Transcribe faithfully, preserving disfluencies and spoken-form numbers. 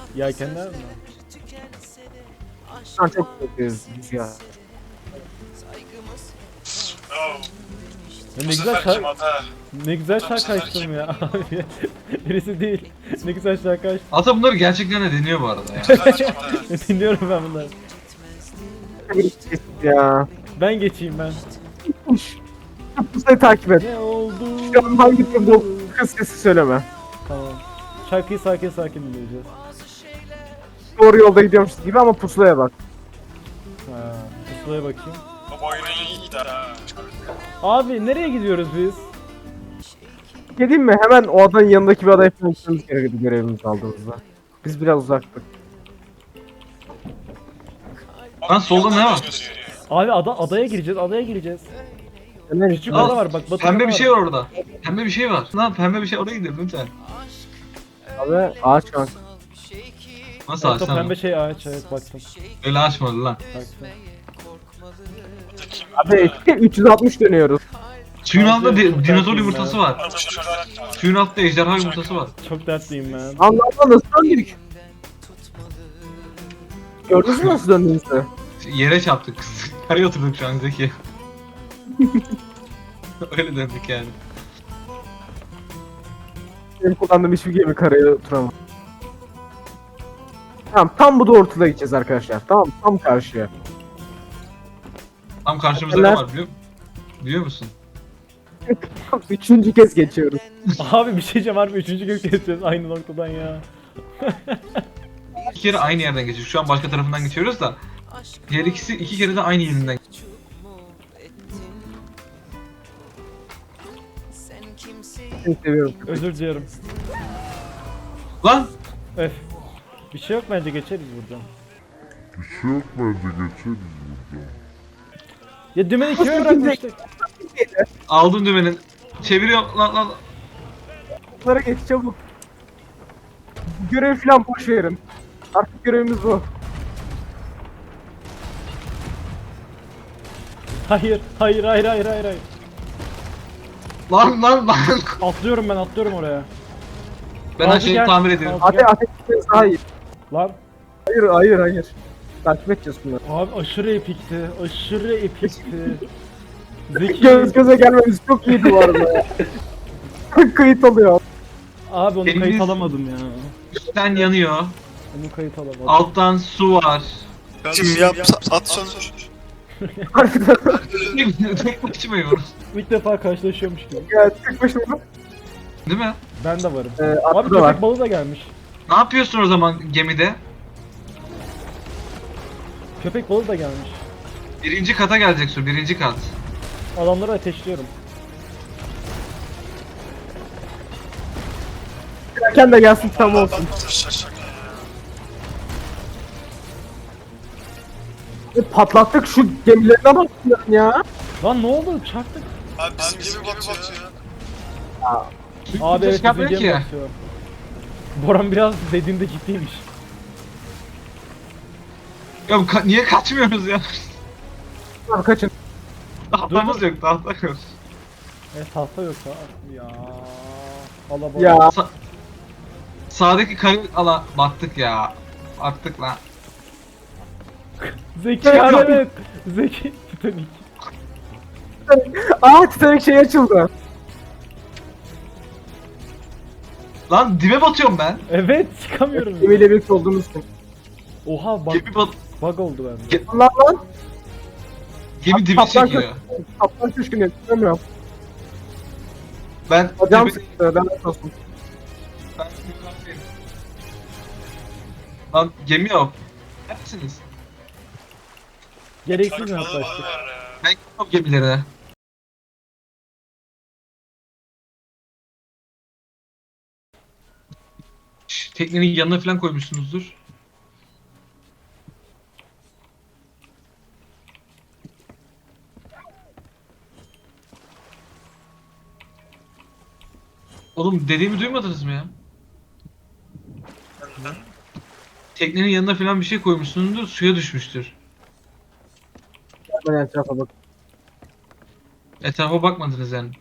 Yelkenler mi? Şu an çok korkuyoruz ya. Oh, Ya bu ne güzel seferki şarkı, mata. ne güzel Bu şarkı seferki açtım ya abi. Birisi değil. Ne güzel şarkı açtım. Ata bunları gerçekten de deniyor bu arada ya. Seferki mata. Dinliyorum ben bunları. Ya. Ben geçeyim ben. Pusayı takip et. Ne oldu? Şu an hangi durumda olduğunu kız sesi söyleme. Tamam. Şarkıyı sakin sakin dinleyeceğiz. Doğru yolda gidiyormuşuz gibi ama pusulaya bak. Ha, pusulaya bakayım. Bu oyunu iyiydi ha. Abi nereye gidiyoruz biz? Geleyim mi? Hemen o adanın yanındaki bir adaya falan gitmemiz gerekiyordu görevimizi aldığımızda. Biz biraz uzaktık. Lan solda ne var? Abi ada adaya gireceğiz, adaya gireceğiz. Hemen Küçük Al, ada var bak. Batı Pembe ada bir şey var orada. Pembe bir şey var. Lan pembe bir şey oraya gidelim lütfen. abi ağaç var. Nasıl Evet, o açsam? pembe şey ağaç, evet baktım. Öyle açmadı lan. baktım. Abi üç yüz altmış dönüyoruz. Suyun altında di- Çok dinozor dertliyim yumurtası ben. var. Suyun altında ejderha yumurtası var. Çok dertliyim ben. Allah Allah nasıl döndük? Gördünüz mü nasıl döndüğümüzü? Yere çarptık. Karaya oturduk şu an Zeki. Öyle döndük yani. Benim kullandığım hiçbir gemi karaya oturamam. Tamam tam bu doğrultuda gideceğiz arkadaşlar. Tamam tam karşıya. Tam karşımızda ne Neler? var biliyor, biliyor musun? Üçüncü kez geçiyoruz. Abi bir şey diyeceğim harbi üçüncü gün geçeceğiz aynı noktadan ya. İki kere aynı yerden geçiyoruz. Şu an başka tarafından geçiyoruz da. Diğer ikisi iki kere de aynı yerinden. Seni seviyorum. Özür diliyorum. Lan! Öf. Bir şey yok bence geçeriz buradan. Bir şey yok bence geçeriz buradan. Ya dümeni kime bırakmıştık? Aldım dümenin. Çeviriyorum lan lan. Bunlara geç çabuk. Görev falan boş verin. Artık görevimiz bu. Hayır, hayır, hayır, hayır, hayır, hayır. Lan lan lan. Atlıyorum ben, atlıyorum oraya. Ben her Aldı şeyi gel. tamir ediyorum. Aldı Hadi ateş etmeniz daha iyi. Lan. Hayır hayır hayır. Takip edeceğiz bunları. Abi aşırı epikti, aşırı epikti. Zeki. Göz göze gelmemiz çok iyiydi bu arada ya. Kayıt alıyor. Abi onu Elimiz- kayıt alamadım ya. Üstten yanıyor. Onu kayıt alamadım. Alttan su var. Kim yap at sonuç. Harbiden Tek başımayım. İlk defa karşılaşıyormuş gibi. ya tek başına. Değil mi? Ben de varım. Ee, Abi atlı da köpek var. balığı da gelmiş. Ne yapıyorsun o zaman gemide? Köpek balığı da gelmiş. Birinci kata gelecek su, birinci kat. Adamları ateşliyorum. Erken de gelsin tam olsun. E, patlattık şu gemilerine bak ya. Lan ne oldu? Çarptık. Abi bizim gibi batıyor. Abi evet çıkartmıyor bizim ki. gemi batıyor. Boran biraz dediğinde ciddiymiş. Ya bu ka- niye kaçmıyoruz ya? Abi kaçın. Tahtamız yok, tahta yok. E tahta yok ha. Ya. Allah Ya. Sa- sağdaki kayık ala battık ya. Battık lan. Zeki Evet. evet. Zeki. Titanik. Aa Titanic şey açıldı. Lan dibe batıyorum ben. Evet çıkamıyorum. ya. Gemiyle birlikte olduğumuz için. Oha bug, Gemi bat bug oldu bende. Ge- Lan lan. gemi dibi Kaptan çekiyor. köşkü. Kaptan köşkünü tutamıyorum. Ben Hocam dibi- sıktı. Ben de olsun. ben yukarıdayım. Lan gemi yok. Neredesiniz? Gereksiz mi yaklaştık? Ben gidiyorum gemilere. Şş, teknenin yanına falan koymuşsunuzdur. Oğlum dediğimi duymadınız mı ya? Teknenin yanına falan bir şey koymuşsunuzdur, suya düşmüştür. Ben etrafa bak. Etrafa bakmadınız yani.